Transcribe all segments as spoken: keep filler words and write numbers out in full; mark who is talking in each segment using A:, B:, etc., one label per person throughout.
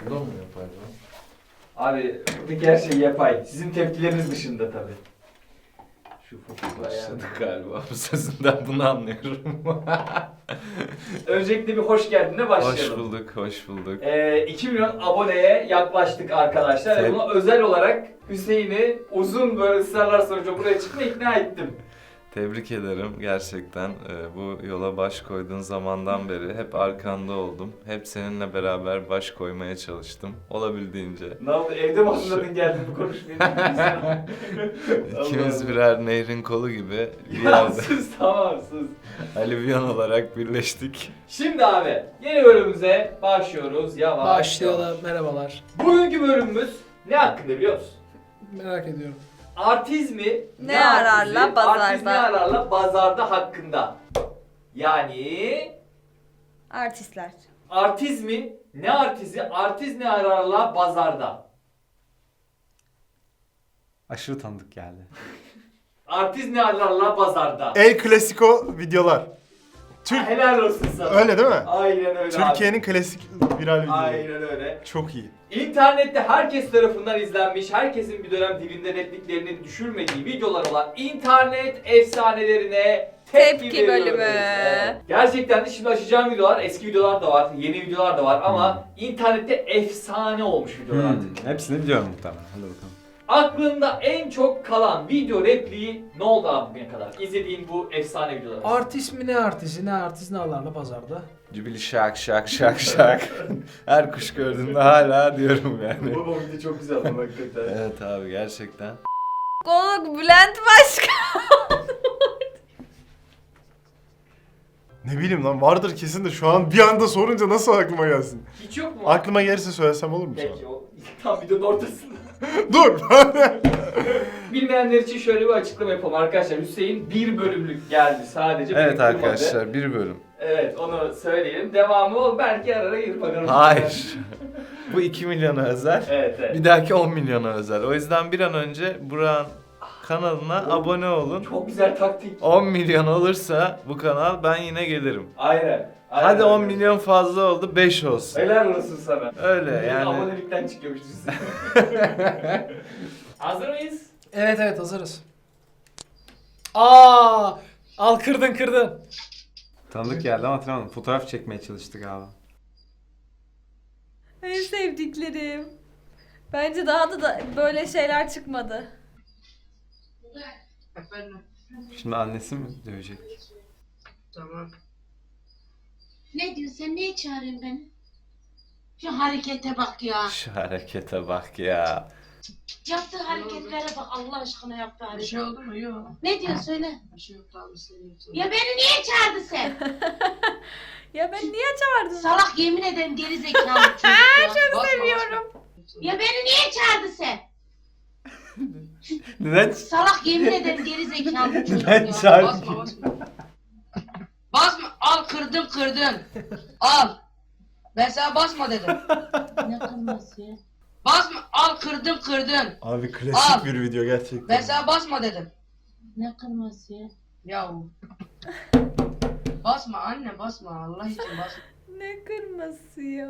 A: Bu da mı yapay lan?
B: Abi buradaki her şey yapay. Sizin tepkileriniz dışında tabii. Şu fotoğrafı
A: Başladık galiba bu sözünden bunu anlıyorum.
B: Öncelikle bir hoş geldin'e başlayalım.
A: Hoş bulduk, hoş bulduk.
B: Ee, iki milyon aboneye yaklaştık arkadaşlar.
A: Evet.
B: Ve buna özel olarak Hüseyin'i uzun böyle ısrarlar sonucu buraya çıkmaya ikna ettim.
A: Tebrik ederim gerçekten. Ee, bu yola baş koyduğun zamandan beri hep arkanda oldum. Hep seninle beraber baş koymaya çalıştım. Olabildiğince.
B: Ne oldu? Evde mi hazırladın geldin bu konuşmayı?
A: İkimiz birer nehrin kolu gibi bir
B: Ya
A: yerde
B: sus, tamam sus.
A: alüvyon olarak birleştik.
B: Şimdi abi yeni bölümümüze başlıyoruz. Yavaş
C: Başlayalım.
B: yavaş.
C: Merhabalar.
B: Bugünkü bölümümüz ne hakkında biliyor musun?
C: Merak ediyorum.
B: Artizmi
D: Ne ararla
B: artizi,
D: bazarda?
B: Artiz ne ararla bazarda hakkında. Yani
D: Artistler.
B: artizmi ne artizi, artiz ne ararla bazarda.
E: Aşırı tanıdık geldi.
B: Artiz ne ararla bazarda.
F: El Clasico videolar. Türk
B: Helal olsun sana.
F: öyle değil mi?
B: Aynen öyle
F: Türkiye'nin klasik viral
B: abi.
F: videoları.
B: Aynen öyle.
F: Çok iyi.
B: İnternette herkes tarafından izlenmiş, herkesin bir dönem dibinde repliklerinin düşürmediği videolar olan internet efsanelerine tepki,
D: Tepki
B: veriyoruz.
D: bölümü.
B: Evet. Gerçekten de şimdi açacağım videolar, eski videolar da var, yeni videolar da var ama internette efsane olmuş videolar artık.
E: Hmm, hepsini biliyorum muhtemelen. Hadi bakalım.
B: Aklında en çok kalan video repliği ne oldu abi bugüne kadar? İzlediğin bu efsane videolar.
C: Artist mi ne artisti ne artist ne alarla pazarda.
A: Cübili şak şak şak şak. Her kuş gördüğümde hala diyorum yani.
B: Bu video çok güzel ama hakikaten.
A: Evet abi gerçekten.
D: Konuk Bülent Başkan.
F: Ne bileyim lan vardır kesin de şu an bir anda sorunca nasıl aklıma gelsin?
B: Hiç yok mu?
F: Aklıma gelirse söylesem olur mu
B: Peki
F: sana?
B: o tam videonun ortasında.
F: Dur!
B: Bilmeyenler için şöyle bir açıklama yapalım arkadaşlar. Hüseyin bir bölümlük geldi sadece.
A: Evet
B: beni kırmadı.
A: arkadaşlar bir bölüm.
B: Evet onu söyleyelim. Devamı ol belki arara gir bakalım.
A: Hayır. Bu iki milyona özel.
B: Evet evet.
A: Bir dahaki on milyona özel. O yüzden bir an önce Burak'ın kanalına abone olun.
B: Çok güzel taktik.
A: on milyon olursa bu kanal ben yine gelirim.
B: Aynen. Aynen
A: Hadi on
B: öyle.
A: milyon fazla oldu beş olsun.
B: Helal olsun sana.
A: Öyle
B: Milyon
A: yani.
B: Abonelikten çıkıyormuş Hüseyin. Hazır mıyız?
C: Evet evet hazırız. Aa, al kırdın kırdın.
E: Tanıdık geldi ama hatırlamadım. Fotoğraf çekmeye çalıştık abi.
D: En sevdiklerim. Bence daha da, da böyle şeyler çıkmadı.
E: Şimdi annesi mi dövecek?
G: Tamam. Ne diyorsun sen? Niye çağırıyorsun beni? Şu harekete bak ya.
A: Şu harekete bak ya.
G: Yaptığı hareketlere bak Allah aşkına yaptığı
H: Bir
G: hareket.
H: şey oldu mu? Yok.
G: Ne diyorsun söyle.
H: Bir şey yok abi seviyorsun.
G: Ya beni niye çağırdın sen?
D: Ya ben niye çağırdın?
G: Salak yemin ederim geri zekalı çocuk ya.
H: Çok
D: seviyorum.
G: Ya beni niye çağırdın sen?
E: Neden?
G: Salak yemin ederim geri zekalı çocuk
E: Neden
G: ya.
E: çağırdın?
H: Basma basma. Basma. Al kırdın kırdın. Al. Ben sana basma dedim.
G: Ne kırması ya?
H: Basma. Al kırdın kırdın.
F: Abi klasik
H: Aa.
F: bir video gerçekten.
H: Ben sana basma dedim.
G: Ne kırması ya?
H: Yahu. Basma anne basma. Allah için basma.
D: Ne kırması ya?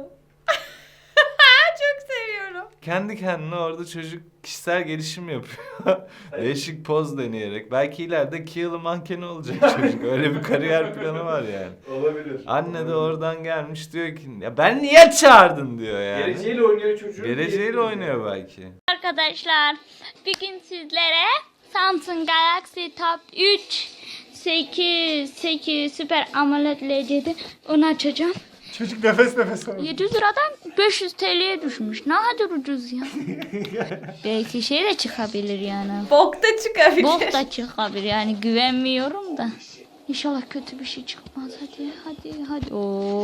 D: Çok seviyorum.
A: Kendi kendine orada çocuk kişisel gelişim yapıyor. Değişik poz deneyerek. Belki ileride Kiyalı mankeni olacak çocuk. Öyle bir kariyer planı var yani.
B: Olabilir.
A: Anne de oradan gelmiş diyor ki ya ben niye çağırdın diyor yani.
B: Geleceğiyle oynuyor çocuğun.
A: Geleceğiyle oynuyor belki.
I: Arkadaşlar bugün sizlere Samsung Galaxy Tab üç sekiz sekiz Super AMOLED L C D onu açacağım.
F: Çocuk nefes nefes alıyor.
I: yedi yüz liradan beş yüz T L'ye düşmüş. Ne kadar ucuz ya. Belki şey de çıkabilir yani.
D: Bok da çıkabilir.
I: Bok da çıkabilir yani güvenmiyorum da. İnşallah kötü bir şey çıkmaz. Hadi hadi hadi.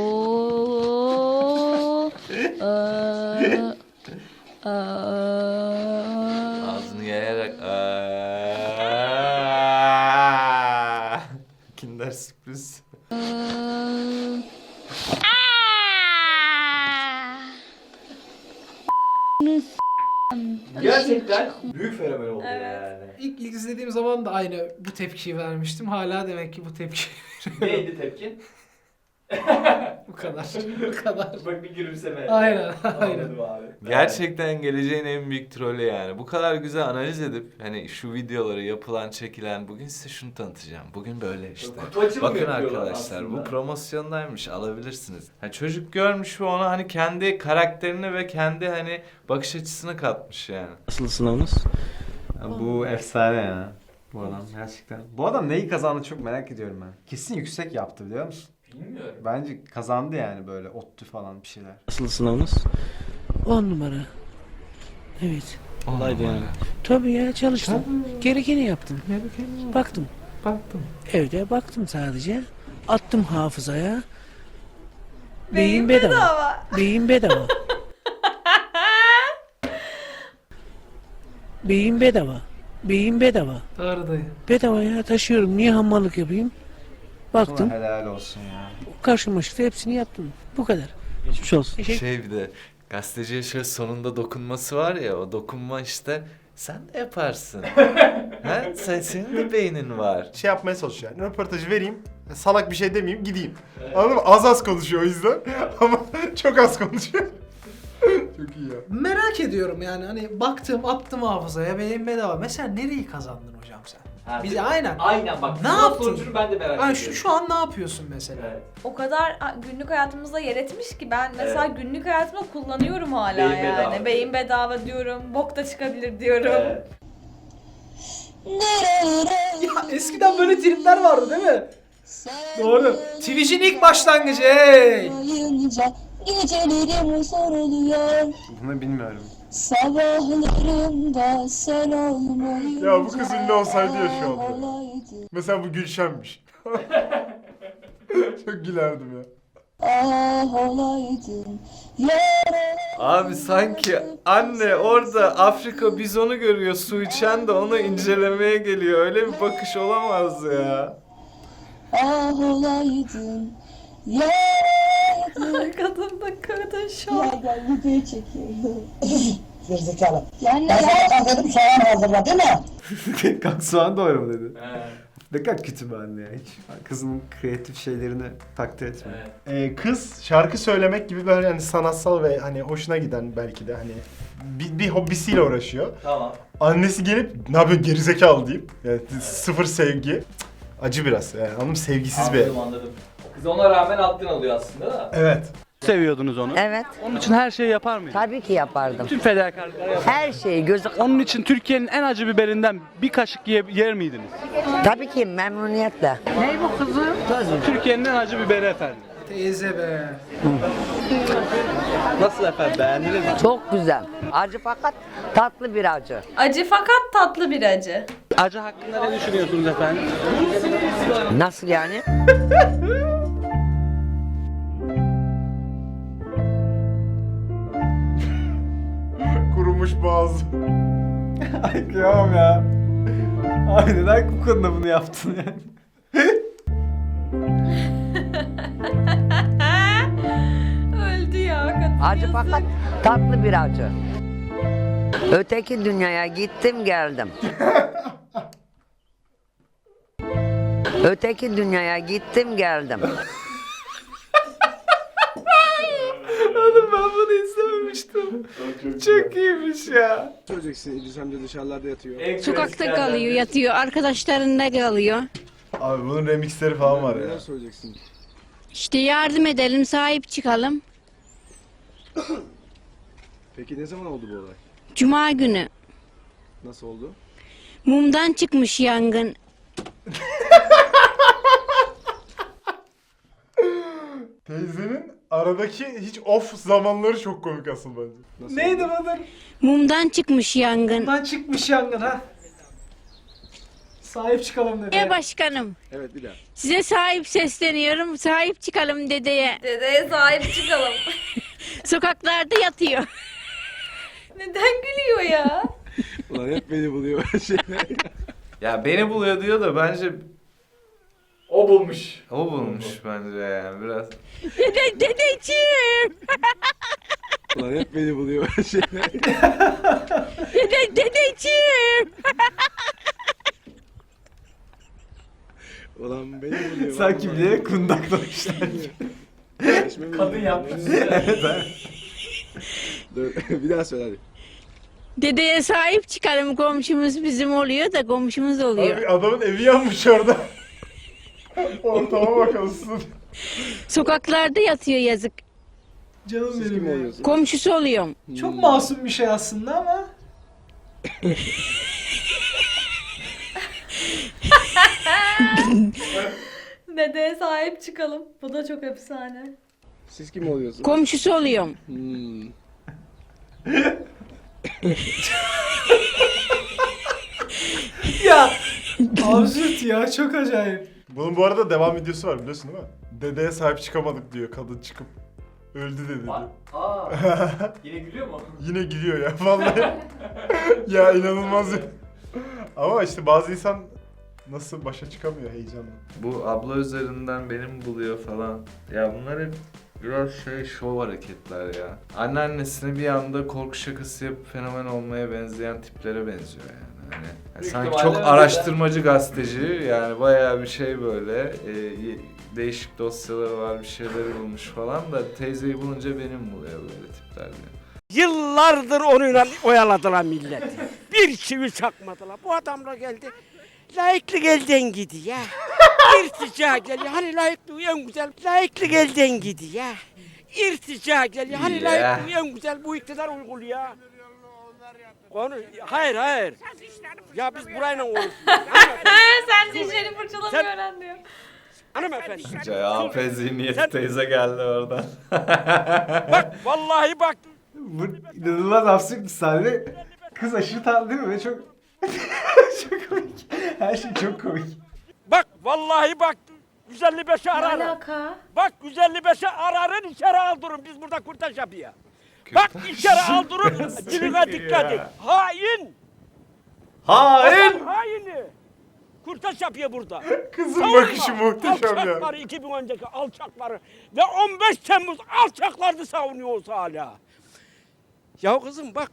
I: Oo. Ee, ee.
A: Ağzını yayarak aaaaaa. Kinder sürpriz.
B: Gerçekten büyük fenomen oldu
D: Evet.
B: yani.
C: İlk, ilk izlediğim zaman da aynı bu tepkiyi vermiştim. Hala demek ki bu tepki.
B: Neydi tepkin?
C: Bu kadar. Bu kadar.
B: Bak bir gülümseme.
C: Aynen, aynen.
B: Anladım abi.
A: Gerçekten geleceğin en büyük trolü yani. Bu kadar güzel analiz edip hani şu videoları yapılan, çekilen, bugün size şunu tanıtacağım. Bugün böyle işte.
B: Kutu açılımı
A: Bakın
B: yapıyorlar
A: arkadaşlar
B: aslında.
A: bu promosyondaymış, alabilirsiniz. Ha, çocuk görmüş ve ona hani kendi karakterini ve kendi hani bakış açısını katmış yani.
J: Nasıl sınavınız?
E: Ya bu efsane ya. Bu adam gerçekten. Bu adam neyi kazandı çok merak ediyorum ben. Kesin yüksek yaptı biliyor musun?
B: Bilmiyorum.
E: Bence kazandı yani böyle ODTÜ falan bir şeyler.
J: Nasıl sınavınız?
K: On numara. Evet.
J: Kolaydı yani.
K: Tabii ya çalıştım. Gerekeni yaptım. Baktım.
C: Baktım.
K: Evde baktım sadece. Attım hafızaya.
D: Beyin
K: Beyin bedava.
D: bedava.
K: Beyin bedava. Beyin bedava. Beyin bedava.
C: Doğru dayı.
K: Bedava ya taşıyorum. Niye hamallık yapayım? Baktım.
E: Sana helal olsun ya.
K: Karşıma çıktı. Hepsini yaptım. Bu kadar.
J: Geçmiş olsun.
A: Şey bir de gazeteciye şöyle sonunda dokunması var ya, o dokunma işte sen de yaparsın. ha? Sen, senin de beynin var.
F: Şey yapmaya çalışıyor yani. Röportajı vereyim. Salak bir şey demeyeyim gideyim. Anladın mı? Az az konuşuyor o yüzden. Ama çok az konuşuyor. Çok iyi ya.
C: Merak ediyorum yani hani baktım attım hafızaya beyin bedava. Mesela nereyi kazandın hocam sen?
B: Ha,
C: Bize aynen.
B: Aynen bak.
C: Ne
B: sınav
C: yaptın?
B: sonucunu ben de merak
C: Yani
B: ediyorum.
C: şu, şu an ne yapıyorsun mesela?
B: Evet.
D: O kadar a, günlük hayatımızda yer etmiş ki ben mesela
B: Evet.
D: günlük hayatımda kullanıyorum hala
B: Beyin
D: yani.
B: bedava.
D: Beyin bedava diyorum. Bok da çıkabilir diyorum.
B: Evet.
C: Ya eskiden böyle tripler vardı değil mi? Doğru. Twitch'in ilk başlangıcı hey.
G: Gecelerim zor oluyor.
E: Bunu bilmiyorum.
G: Sabahlarımda sen olmayınca.
F: Ya bu kız ünlü olsaydı ya şu anda. Mesela bu Gülşen'miş. Çok gülerdim ya.
G: Ah olaydın.
A: Abi sanki anne orada Afrika bizonu görüyor, su içen de onu incelemeye geliyor. Öyle bir bakış olamaz ya.
G: Ah olaydın. Ya
D: Kadın da kadın şu an.
G: gel video çekiyorum. Gerizekalı. Yani ben sana dedim soğan hazırla değil mi?
E: Kalk soğan doğru mu dedi.
B: Evet.
E: Ne kadar kötü bir anne ya hiç. Kızın kreatif şeylerini takdir etmiyor.
B: Evet.
F: Ee, kız şarkı söylemek gibi böyle hani sanatsal ve hani hoşuna giden belki de hani bir, bir hobisiyle uğraşıyor.
B: Tamam.
F: Annesi gelip ne yapıyor gerizekalı deyip yani sıfır sevgi. Cık, acı biraz yani anladın mı? Sevgisiz bir.
B: Anladım anladım. Kız ona rağmen altın alıyor aslında da.
F: Evet.
J: Seviyordunuz onu.
L: Evet.
J: Onun için her şeyi yapar mıydınız?
L: Tabii ki yapardım.
J: Tüm fedakarlıkları yapar.
L: Her şeyi gözü...
J: Onun için Türkiye'nin en acı biberinden bir kaşık ye- yer miydiniz?
L: Tabii ki memnuniyetle. Ne bu kızım?
J: Türkiye'nin en acı biberi efendim.
C: Teyze be.
J: Nasıl efendim, beğendiniz mi?
L: Çok güzel. Acı fakat tatlı bir acı.
D: Acı fakat tatlı bir acı.
J: Acı hakkında ne düşünüyorsunuz efendim?
L: Nasıl yani?
F: Kurumuş boğaz.
E: Ay kıyamam ya. Ay neden bu konuda bunu yaptın yani?
D: Öldü ya kadın.
L: Acı
D: yazık.
L: fakat tatlı bir acı. Öteki dünyaya gittim geldim. Öteki dünyaya gittim geldim.
A: Oğlum ben bunu izlememiştim. Çok iyiymiş ya.
J: Söyleyeceksin, İdris amca dışarılarda yatıyor.
B: En
K: Sokakta
B: klasiklerden
K: kalıyor,
B: biri.
K: yatıyor. Arkadaşlarında kalıyor.
F: Abi bunun remixleri falan var ya.
J: söyleyeceksin?
K: İşte yardım edelim, sahip çıkalım.
J: Peki ne zaman oldu bu olay?
K: Cuma günü.
J: Nasıl oldu?
K: Mumdan çıkmış yangın.
F: Teyzenin aradaki hiç off zamanları çok komik asıl bence.
J: Nasıl
C: Neydi
J: oldu?
C: bu?
K: Mumdan çıkmış yangın.
C: Bundan çıkmış yangın ha. Sahip çıkalım dedi.
K: Dedeye başkanım,
J: Evet bir daha.
K: size sahip sesleniyorum. Sahip çıkalım dedeye.
D: Dedeye sahip çıkalım.
K: Sokaklarda yatıyor.
D: Neden gülüyor ya?
J: Ulan hep beni buluyor şeyler.
A: Ya beni buluyor diyor da bence
B: O bulmuş.
A: o bulmuş bence yani biraz.
K: Dede, dedeciğim.
J: Ulan hep beni buluyor şeyler.
K: Dede, dedeciğim.
J: Ulan beni buluyor.
E: Sanki
J: vallahi.
E: bilerek kundaklamışlar gibi.
B: yapmış.
K: Bir daha söyle hadi.
G: Dedeye sahip çıkarım, komşumuz bizim oluyor da komşumuz oluyor.
F: Abi adamın evi yanmış orada. Ortama bakalım.
G: Sokaklarda yatıyor yazık.
C: Canım
K: Siz
C: benim
K: kim
C: ya.
K: oluyorsunuz?
G: Komşusu oluyorum.
C: Çok masum bir şey aslında ama.
D: Dedeye sahip çıkalım. Bu da çok efsane.
K: Siz kim oluyorsunuz?
G: Komşusu oluyorum.
K: Hmm.
C: Ya absürt ya, çok acayip.
F: Bunun bu arada devam videosu var biliyorsun değil mi? Dedeye sahip çıkamadık diyor kadın çıkıp. Öldü dedi.
B: Aa, aa, yine gülüyor mu?
F: Yine gülüyor ya vallahi. Ya inanılmaz ya. Ama işte bazı insan nasıl başa çıkamıyor heyecanla.
A: Bu abla üzerinden benim buluyor falan. Ya bunlar hep biraz şey şov hareketler ya. Anneannesini bir anda korku şakası yapıp fenomen olmaya benzeyen tiplere benziyor yani. Hani
B: Büyük
A: sanki
B: ihtimalle
A: çok
B: öyle
A: araştırmacı gazeteci yani bayağı bir şey böyle e, y- değişik dosyaları var bir şeyleri bulmuş falan da teyzeyi bulunca benim buluyor böyle tipler diyor.
K: Yıllardır onunla oyaladılar milleti. Bir çivi çakmadılar. Bu adamla geldi. Layıklık elden gidiyor ya. İrtica geliyor. Hani layıklığı en güzel. Layıklık elden gidiyor ya. İrtica geliyor. Hani
A: Ya.
K: layıklığı en güzel bu iktidar uyguluyor. Konu, hayır hayır. Ya biz burayla konuşuyoruz.
D: Sen dişlerini fırçalamayı
K: Sen-
D: öğren diyor.
K: Hanımefendi.
A: C A P zihniyeti
K: Sen-
A: teyze geldi oradan.
K: Bak vallahi bak.
E: Bu inanılmaz absürt bir sahne. Kız aşırı tatlı değil mi? Ve çok çok komik. Her şey çok komik.
K: Bak vallahi bak. yüz elli beşi
D: Ne
K: ararım.
D: alaka?
K: Bak yüz elli beşi ararın içeri aldırın. Biz burada kurtaş yapıyor. Bak içeri aldırın. Diline dikkat et. Hain.
A: Hain!
K: Adam haini. Kurtaş yapıyor burada.
F: Kızın
K: Savunma.
F: bakışı muhteşem ya.
K: Alçakları iki bin önceki alçakları ve on beş Temmuz alçaklarını savunuyoruz hala. Ya kızım bak.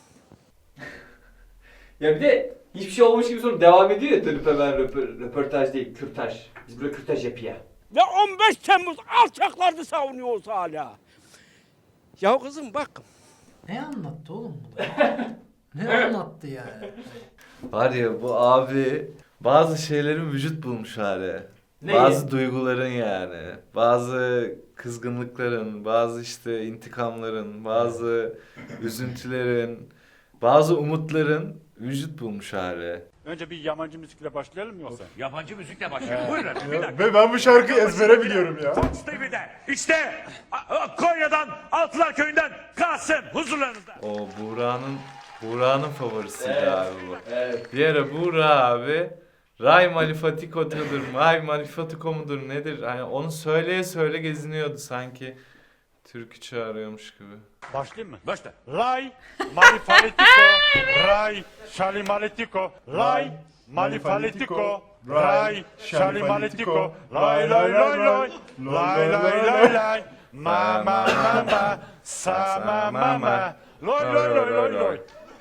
B: Ya bir de hiçbir şey olmuş gibi sonra devam ediyor ya dönüp hemen röpor- röportaj değil, kürtaj. Biz burada kürtaj yapıyor.
K: Ve on beş Temmuz alçaklarını savunuyoruz hala. Ya kızım bak.
C: Ne anlattı oğlum bu da? Ne anlattı yani?
A: Var ya bu abi bazı şeylerin vücut bulmuş hali.
B: Neyi?
A: Bazı duyguların yani. Bazı kızgınlıkların, bazı işte intikamların, bazı üzüntülerin, bazı umutların vücut bulmuş hali.
J: Önce bir yabancı müzikle başlayalım mı yoksa?
M: Yabancı müzikle başlayalım. Buyurun efendim, bir dakika.
F: Ve ben bu şarkıyı ezbere biliyorum ya.
M: Fox T V'de işte A- A- Konya'dan Altılar Köyü'nden Kasım huzurlarınızda.
A: O Buğra'nın Buğra'nın favorisiydi
B: Evet.
A: abi bu.
B: Evet.
A: Bir ara Buğra abi Ray Malifatiko'dur, Ray Malifatiko mudur nedir? Hani onu söyleye söyle geziniyordu sanki. Türkü çağırıyormuş gibi.
J: Başlayayım mı?
M: Başla.
J: Lay, malifalitiko, ray, şalimaletiko, lay, malifalitiko, ray, şalimaletiko, lay lay lay lay, lay lay lay lay, ma ma ma ma, sa ma ma ma, lay lay lay lay lay.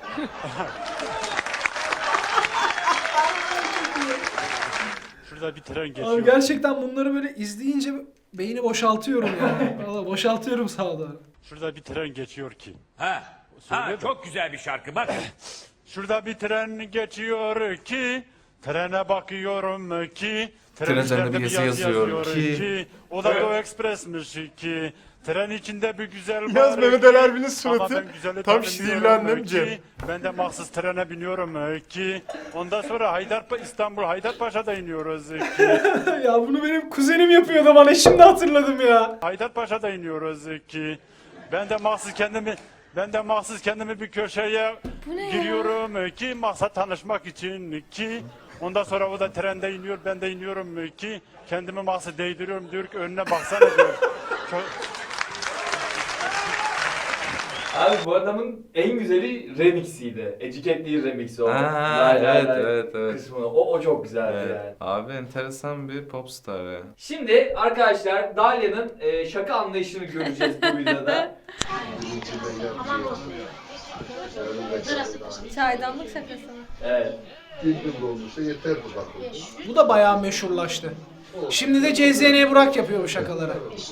J: Şurada bir tren geçiyor.
C: Abi gerçekten bunları böyle izleyince beyni boşaltıyorum yani. Valla boşaltıyorum sağa doğru.
J: Şurada bir tren geçiyor ki.
M: Ha. Ha,
J: Söyle de.
M: çok güzel bir şarkı bak.
J: Şurada bir tren geçiyor ki, trene bakıyorum ki,
A: Tren üzerinde
J: üzerinde
A: bir yazı yazıyor ki.
J: o da Doğu Ekspres'miş ki, tren içinde bir güzel
F: Yaz
J: var
F: Mehmet
J: ki,
F: Ali Erbil'in
J: ama
F: suratı
J: ben güzeli
F: tam
J: tanımıyorum
F: şiirli annem
J: ki,
F: Cem.
J: ben de mahsus trene biniyorum ki, ondan sonra Haydar İstanbul Haydarpaşa'da iniyoruz ki,
C: Ya bunu benim kuzenim yapıyordu bana, şimdi hatırladım ya.
J: Haydarpaşa'da iniyoruz ki, ben de mahsus kendimi ben de mahsus kendimi bir köşeye
D: Bu ne ya?
J: giriyorum ki maksat tanışmak için ki ondan sonra o da trende iniyor ben de iniyorum ki kendimi mahsus değdiriyorum diyor ki önüne baksana diyor. Çok,
B: Abi bu adamın en güzeli remixiydi. Educate değil remixi o.
A: Ha,
B: Lay lay
A: evet,
B: lay
A: evet, evet.
B: Kısmını. O, o çok güzeldi
A: Evet.
B: yani.
A: Abi enteresan bir popstar ya.
B: Şimdi arkadaşlar Dalya'nın e, şaka anlayışını göreceğiz bu videoda.
D: Çaydanlık şakası mı?
B: Evet.
C: Bu da bayağı meşhurlaştı. Şimdi de C Z N Burak yapıyor bu şakaları.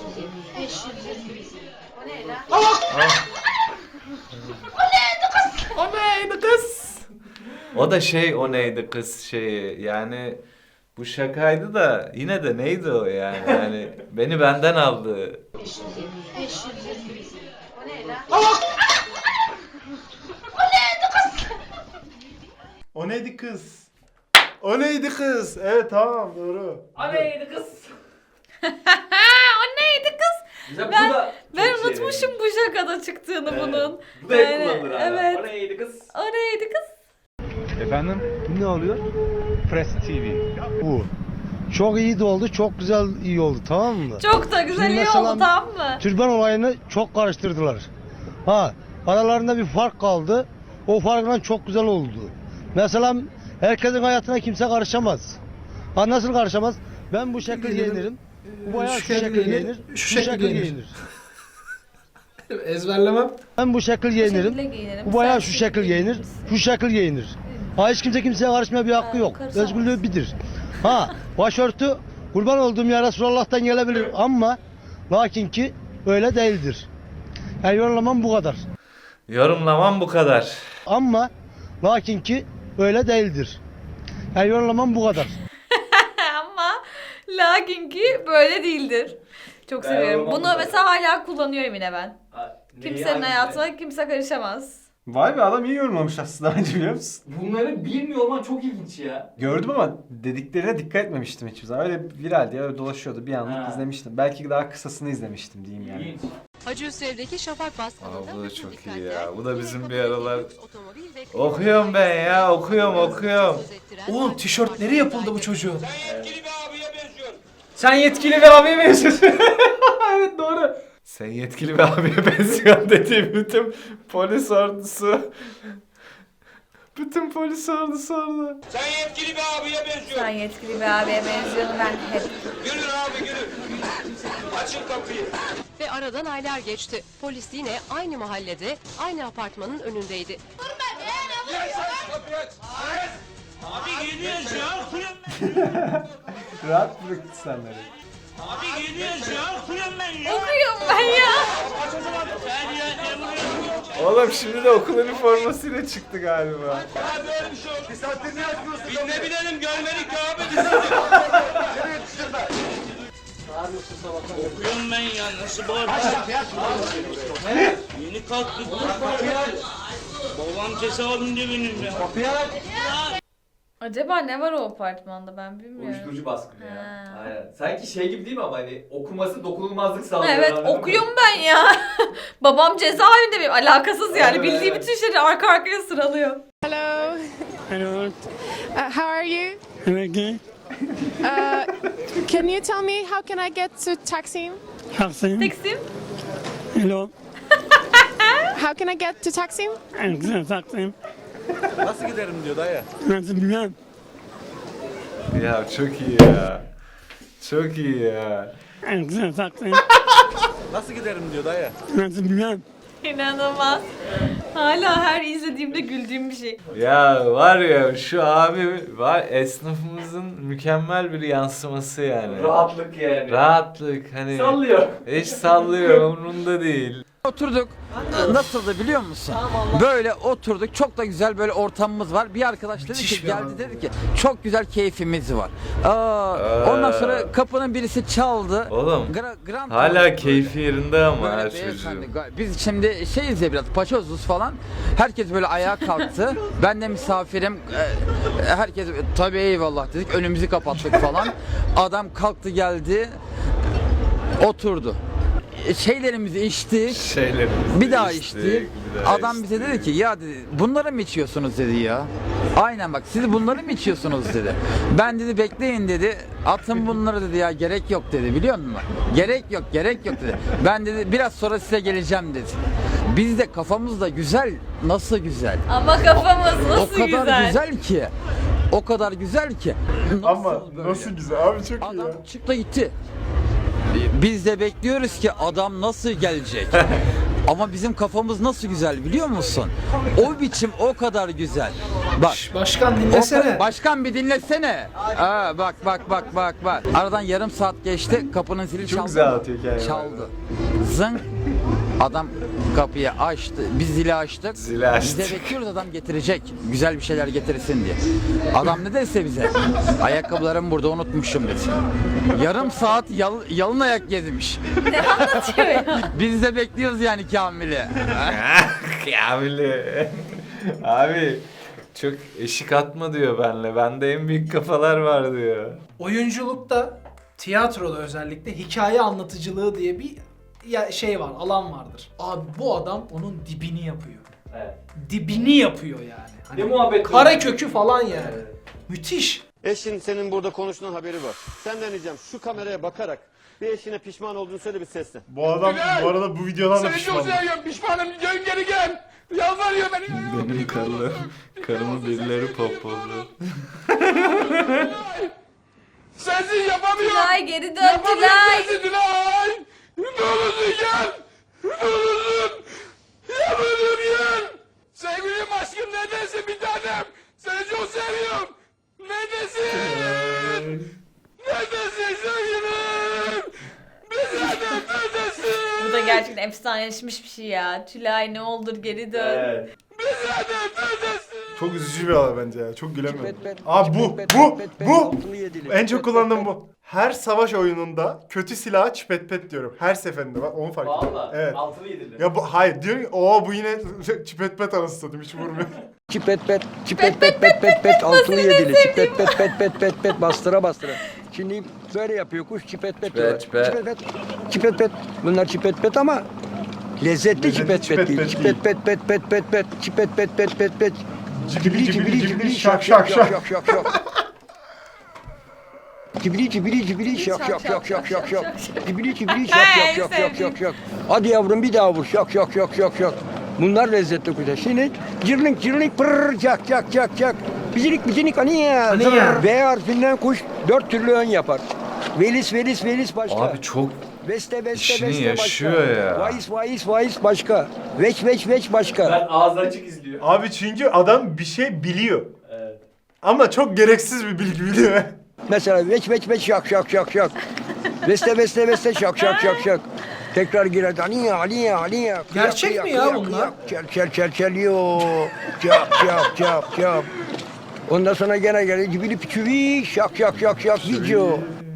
C: O neydi kız?
A: O da şey o neydi kız şeyi yani bu şakaydı da yine de neydi o yani yani beni benden aldı.
F: O neydi kız? O neydi kız? Evet tamam doğru.
B: O neydi kız?
D: O neydi kız?
B: Güzel,
D: Ben-
B: bu da
D: Ben
B: çok şey
D: unutmuşum bu şakada çıktığını
B: Evet.
D: bunun.
B: Bu da hep
D: Yani,
B: kullanılır hala.
D: evet.
B: O neydi kız?
D: O neydi kız?
N: Efendim? Ne oluyor? Press T V. Bu. Çok iyi de oldu, çok güzel iyi oldu, tamam mı?
D: Çok da güzel
N: Şimdi
D: iyi
N: mesela
D: oldu, tamam mı?
N: Türban olayını çok karıştırdılar. Ha, aralarında bir fark kaldı. O farkla çok güzel oldu. Mesela herkesin hayatına kimse karışamaz. Ha, nasıl karışamaz? Ben bu şekil giyinirim. Bu bayağı şu şekil giyinir.
C: Şu
N: Bu
C: şekil
N: şekil
C: giyinir.
N: giyinir.
C: Ezberlemem.
N: Ben bu şekil giyinirim.
D: şekilde giyinirim,
N: Bu bayağı
D: sen
N: şu
D: şu
N: şekil giyinir. Şu şekil giyinir. Ha, hiç kimse kimseye karışmaya bir hakkı
D: Ha,
N: yok.
D: karışamaz.
N: Özgürlüğü bilir. Ha, başörtü kurban olduğum ya Resulullah'tan gelebilir ama lakin ki öyle değildir. Yani yorumlamam bu kadar.
A: Yorumlamam bu kadar.
N: Ama lakin ki öyle değildir. Yani yorumlamam bu kadar.
D: Ama lakin ki böyle değildir. Çok
B: Ben
D: seviyorum.
B: yorumlamam
D: Bunu
B: bu kadar.
D: mesela hala kullanıyorum yine ben.
B: Ha, neyi,
D: Kimsenin
B: hangisini?
D: hayatına kimse karışamaz.
E: Vay be adam iyi yorumlamış aslında bence biliyor musun?
B: Bunları bilmiyor olman çok ilginç ya.
E: Gördüm ama dediklerine dikkat etmemiştim hiçbir zaman. Öyle viraldi ya öyle dolaşıyordu bir anlık
B: Ha.
E: izlemiştim. Belki daha kısasını izlemiştim diyeyim yani.
B: İlginç.
O: Hacı Hüsrev'deki Şafak
A: Aa,
O: Baskını'nda
A: bu da
O: bütün
A: çok iyi
O: dikkatler
A: ya. Bu da
O: yine
A: bizim bir
O: fotoğrafı,
A: aralar
O: otomobil ve klima
A: okuyorum ben ya okuyorum okuyorum.
O: söz ettiren
C: Oğlum
O: Parti
C: tişörtleri yapıldı bu çocuğun.
M: Yetkili bir abiye benziyor.
C: Sen yetkili bir abiye benziyorsun. Evet doğru.
A: Sen yetkili bir abiye benziyorsun dediğim bütün polis ordusu. Bütün polis ordusu orada.
M: Sen yetkili bir abiye benziyor.
D: Sen yetkili bir abiye benziyorsun, ben hep.
M: Gülün abi gülün. Açın kapıyı.
O: Ve aradan aylar geçti. Polis yine aynı mahallede, aynı apartmanın önündeydi.
M: Abi geliyoruz ya.
E: Rahat bırak insanları.
M: Abi geliyoruz ya. Okuyorum ben ya.
D: Okuyorum ben ya.
M: Ben ya ne vuruyorum?
A: Oğlum şimdi de okul üniformasıyla çıktı galiba.
M: Ya böyle bir şey yok. Bir saattir ne yapıyorsun? Biz ne bilelim görmedik ya abi. Okuyorum ben ya. Nasıl bağırıyorsun? Yeni kalktık. Babam cesaretim de benim ya.
D: Acaba ne var o apartmanda, ben bilmiyorum.
B: Uyuşturucu baskını ya.
D: Ha.
B: Aynen. Sanki şey gibi değil mi ama hani okuması dokunulmazlık sağlıyor.
D: Evet,
B: anladın mı?
D: okuyorum ben ya. Babam cezaevinde benim, alakasız yani.
B: Evet,
D: Bildiği
B: evet.
D: bütün şeyleri arka arkaya sıralıyor.
O: Hello.
K: Hello.
O: Uh, how are you?
K: Okay.
O: Uh, can you tell me how can I get to Taksim?
K: Taksim.
D: Teksim.
K: Hello.
O: How can I get to Taksim?
K: Taksim.
J: Nasıl giderim diyor dayı.
K: Nasıl bilmem.
A: Ya çok iyi ya. Çok iyi ya.
K: Taksim.
J: Nasıl giderim diyor dayı.
K: Nasıl bilmem.
D: İnanılmaz. Hala her izlediğimde güldüğüm bir şey.
A: Ya var ya şu abi var esnafımızın mükemmel bir yansıması yani.
B: Rahatlık yani.
A: Rahatlık hani.
B: Sallıyor.
A: Hiç sallıyor umrunda değil.
P: Oturduk. Nasıldı biliyor musun? Böyle oturduk. Çok da güzel böyle ortamımız var. Bir arkadaş dedi
C: Müthiş
P: ki
C: bir
P: geldi
C: adam.
P: dedi ki çok güzel keyfimiz var. Aa, ondan sonra kapının birisi çaldı.
A: Oğlum
P: Gra- Grand
A: hala
P: Böyle.
A: keyfi yerinde ama
P: Böyle
A: her
P: beyefendi,
A: çocuğun.
P: ga- Biz şimdi şeyiz ya biraz paçozuz falan. Herkes böyle ayağa kalktı. Ben de misafirim. Ee, Herkes tabii eyvallah dedik. Önümüzü kapattık falan. Adam kalktı geldi. Oturdu. Şeylerimizi içtik.
A: Şeylerimizi
P: Bir daha
A: içtik,
P: içtik.
A: bir daha
P: Adam bize
A: içtik.
P: dedi ki ya dedi bunları mı içiyorsunuz dedi ya. Aynen bak siz bunları mı içiyorsunuz dedi. Ben dedi bekleyin dedi. Atın bunları dedi ya gerek yok dedi biliyor musun? Gerek yok gerek yok dedi. Ben dedi biraz sonra size geleceğim dedi. Biz de kafamız da güzel. Nasıl güzel?
D: Ama kafamız nasıl
P: o kadar
D: güzel.
P: güzel ki. O kadar güzel ki. Nasıl
F: Ama
P: böyle?
F: nasıl güzel abi çok iyi
P: Adam
F: ya.
P: çıktı gitti. Biz de bekliyoruz ki adam nasıl gelecek? Ama bizim kafamız nasıl güzel biliyor musun? O biçim o kadar güzel. Bak.
C: Başkan
P: O
C: dinlesene.
P: ka- başkan bir dinlesene. Aa, bak bak bak bak bak. Aradan yarım saat geçti. Kapının zili çaldı.
E: Çok güzel atıyor hikayeyi.
P: Çaldı. Zınk. Adam kapıyı açtı. Biz zili açtık.
A: Zili açtık.
P: Biz de bekliyoruz adam getirecek. Güzel bir şeyler getirsin diye. Adam ne dese bize? Ayakkabılarımı burada unutmuşum dedi. Yarım saat yal, yalın ayak gezmiş.
D: Ne anlatıyor ya?
P: Biz de bekliyoruz yani Kamil'i.
A: Kamil'i. Abi çok eşik atma diyor benle. Bende en büyük kafalar var diyor.
C: Oyunculukta, tiyatroda özellikle hikaye anlatıcılığı diye bir ya şey var, alan vardır. Abi bu adam onun dibini yapıyor.
B: Evet.
C: Dibini yapıyor yani. Hani
B: Ne muhabbet
C: kare kökü falan yani. Müthiş.
Q: Eşin senin burada konuştuğunun haberi var. Senden ricam şu kameraya bakarak bir eşine pişman olduğunu söyle bir sesle.
F: Bu adam bu arada bu videodan da pişman.
J: Pişmanım. Dön geri gel. Yalvarıyor beni.
A: Benim karım, karımı birileri popladı.
J: Sensiz yapamıyorum.
D: Tülay geri dön
J: Yapamıyorum
D: Tülay.
J: sensiz Tülay. Ne olursun gel. Ne olursun. Yalvarıyorum gel. Sevgilim aşkım neredesin bir tanem. Seni çok seviyorum. Neredesin? Neredesin sevgilim? Bir tanem neredesin?
D: Bu da gerçekten efsaneleşmiş bir şey ya. Tülay ne olur geri dön.
B: Evet.
J: Bir tanem neredesin?
F: Çok üzücü bir olay bence ya. Çok gülemiyorum. Aa bu bu bu en çok kullandığım bu. Her savaş oyununda kötü silaha çipet pet diyorum. Her seferinde bak onu fark ettim.
B: Valla.
F: Evet.
B: Altılı yedili.
F: Ya bu hayır diyor ki o bu yine çipet pet anasını satayım hiç vurmuyor.
K: Çipet pet, çipet pet pet pet pet altılı yedili, çipet pet pet pet pet pet bastıra bastıra. Şimdi böyle yapıyor kuş çipet pet diyorlar.
A: çipet.
K: Çipet pet, çipet pet. Bunlar çipet pet ama lezzetli
F: Lezzetli
K: çipet
F: çipet
K: pet değil.
F: pet
K: Çipet pet pet pet pet pet, çipet pet pet pet pet.
F: Cibili cibili cibili şak şak şak.
K: şak şak şak. Cibili cibili cibili şak şak şak şak şak şak. Cibili cibili şak şak şak şak şak şak. Hadi yavrum bir daha vur şak şak şak şak şak. Bunlar lezzetli kuşlar. Şimdi cırlink cırlink pırr çak çak çak çak. Bicinik bicinik aniye.
C: Aniye.
K: V harfinden kuş dört türlü ön yapar. Velis velis velis başka.
A: Abi çok
K: Veste veste
A: işini
K: veste
A: yaşıyor
K: başka.
A: ya.
K: Vaiz vaiz vaiz başka. Veç veç veç başka.
B: Ben ağzı açık izliyor.
F: Abi çünkü adam bir şey biliyor.
B: Evet.
F: Ama çok gereksiz bir bilgi biliyor.
K: Mesela veç veç veç şak şak şak şak. Veste veste veste şak şak şak şak. Tekrar girer. Aliye aliye aliye.
C: Gerçek mi ya bunlar?
K: Çel çel çel çel yo. Çap çap çap çap. Ondan sonra gene gelir cibili piçüvi şak şak şak şak video.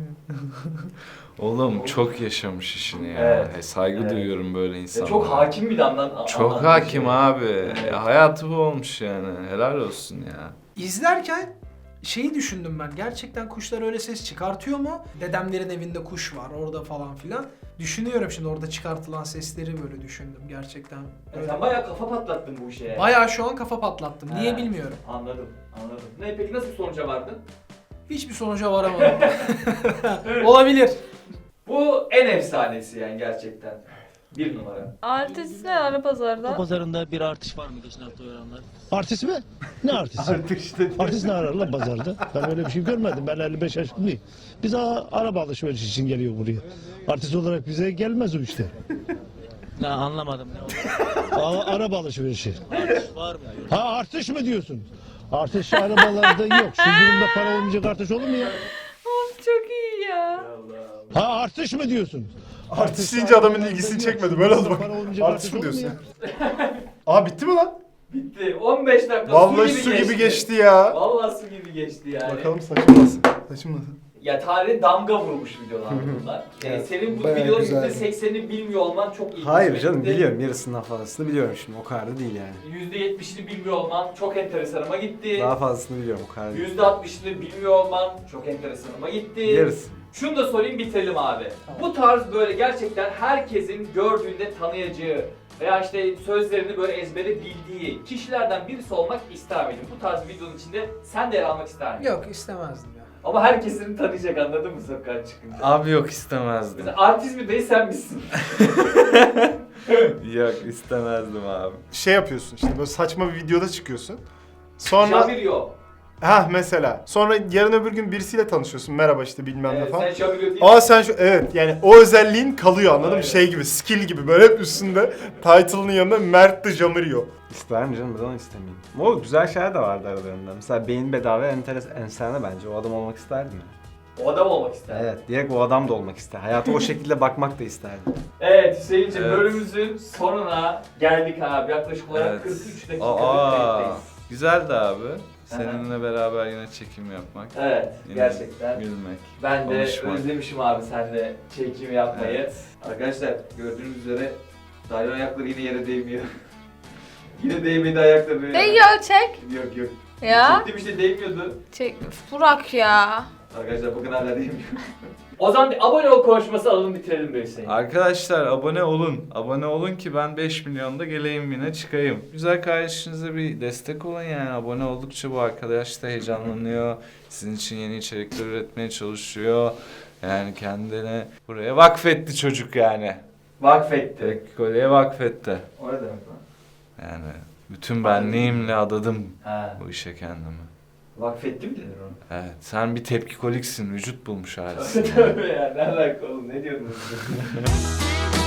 A: Oğlum çok yaşamış işini ya.
B: Evet.
A: E, saygı
B: Evet.
A: duyuyorum böyle
B: Ya
A: insanlara.
B: çok hakim bir damdan.
A: Çok hakim abi. Ya, hayatı bu olmuş yani. Helal olsun ya.
C: İzlerken şeyi düşündüm ben. Gerçekten kuşlar öyle ses çıkartıyor mu? Dedemlerin evinde kuş var orada falan filan. Düşünüyorum şimdi orada çıkartılan sesleri böyle düşündüm gerçekten.
B: Ya sen bayağı kafa patlattın bu işe ya.
C: Bayağı şu an kafa patlattım. Niye
B: He.
C: bilmiyorum.
B: Anladım, anladım. Ne peki nasıl bir sonuca vardın?
C: Hiçbir sonuca varamadım. Olabilir.
B: Bu en efsanesi yani gerçekten. Bir numara.
D: Artist ne ara pazarda?
N: Pazarında bir artış var mı geçen hafta oranlar? Artist mi? Ne artisti? Artist dedi. Artist ne arar lan pazarda? Ben öyle bir şey görmedim. Ben elli beş yaşındayım. Biz a- araba alışverişi için geliyor buraya. Artist olarak bize gelmez o işte.
R: Ne anlamadım ne
N: A- araba alışverişi.
R: var mı?
N: Ha artış mı diyorsun? Artış arabalarda yok. Şu durumda para olmayacak artış olur mu ya?
D: Of çok iyi ya.
N: Ha artış mı diyorsun?
F: Artist deyince adamın ilgisini çekmedi. Böyle oldu bak.
N: Para olmayacak
F: Artist mi
N: olur mu
F: diyorsun?
N: ya?
F: Aa bitti mi lan?
B: Bitti. on beş dakika
F: Vallahi
B: su gibi
F: su
B: geçti.
F: gibi geçti ya.
B: Vallahi su gibi geçti yani.
F: Bakalım saçım nasıl? Saçım nasıl?
B: Ya tarihe damga vurmuş videolar bunlar. Yani
E: Evet,
B: senin bu
E: bayağı
B: videoların
E: güzel.
B: yüzde seksenini bilmiyor olman çok ilginç.
E: Hayır canım biliyorum yarısından fazlasını biliyorum şimdi o kadar da değil yani.
B: yüzde yetmişini bilmiyor olman çok enteresanıma gitti.
E: Daha fazlasını biliyorum o kadar değil.
B: yüzde altmışını bilmiyor olman çok enteresanıma gitti.
E: Yarısı.
B: Şunu da sorayım bitirelim abi. Bu tarz böyle gerçekten herkesin gördüğünde tanıyacağı veya işte sözlerini böyle ezbere bildiği kişilerden birisi olmak ister miydin? Bu tarz bir videonun içinde sen de yer almak ister miydin?
C: Yok istemezdim ya.
B: Ama herkesin tanıyacak anladın mı sokağa çıkınca?
A: Abi yok istemezdim.
B: Mesela artist mi değil sen misin?
A: Yok istemezdim abi.
F: Şey yapıyorsun işte böyle saçma bir videoda çıkıyorsun. Sonra
B: Jabir yok.
F: Ha mesela. Sonra yarın öbür gün birisiyle tanışıyorsun. Merhaba işte bilmem ne
B: Evet,
F: falan.
B: sen Şamil değil
F: Aa sen şu evet yani o özelliğin kalıyor anladın
B: Aynen.
F: mı? Şey gibi skill gibi böyle hep üstünde title'ının yanında Mert de Jamirio.
E: İster mi canım? Neden istemeyeyim? Ama o güzel şeyler de vardı aralarında. Mesela beyin bedava enteres ensene bence. O adam olmak isterdim ya.
B: O adam olmak ister.
E: Evet, direkt o adam da olmak ister. Hayata o şekilde bakmak da isterdim.
B: Evet Hüseyin'cim
A: Evet.
B: bölümümüzün sonuna geldik abi. Yaklaşık olarak
A: Evet.
B: kırk üç dakikadır
A: Aa,
B: birlikteyiz.
A: güzeldi abi. Seninle beraber yine çekim yapmak.
B: Evet
A: Yine
B: gerçekten.
A: Gülmek.
B: Ben de
A: konuşmak.
B: özlemişim abi seninle çekim yapmayı.
A: Evet.
B: Arkadaşlar gördüğünüz üzere Dalyon'un ayakları yine yere değmiyor. Yine değmedi ayakları.
D: Değiyor çek.
B: Yok yok.
D: Ya.
B: Çektim işte değmiyordu.
D: Çek. Burak ya.
B: Arkadaşlar bakın hala değmiyor. O zaman bir abone ol konuşması alalım bitirelim be Hüseyin.
A: Arkadaşlar abone olun. Abone olun ki ben beş milyonda geleyim yine çıkayım. Güzel kardeşinize bir destek olun yani. Abone oldukça bu arkadaş da heyecanlanıyor. Sizin için yeni içerikler üretmeye çalışıyor. Yani kendine buraya vakfetti çocuk yani.
B: Vakfetti.
A: Tepkikoleye vakfetti.
B: O ne demek lan?
A: Yani bütün benliğimle adadım
B: Ha.
A: bu işe kendimi.
B: Vakfetti mi denir onu?
A: Evet, sen bir tepkikoliksin, vücut bulmuş halisin.
B: Tabii ya ne alaka oğlum ne diyordunuz?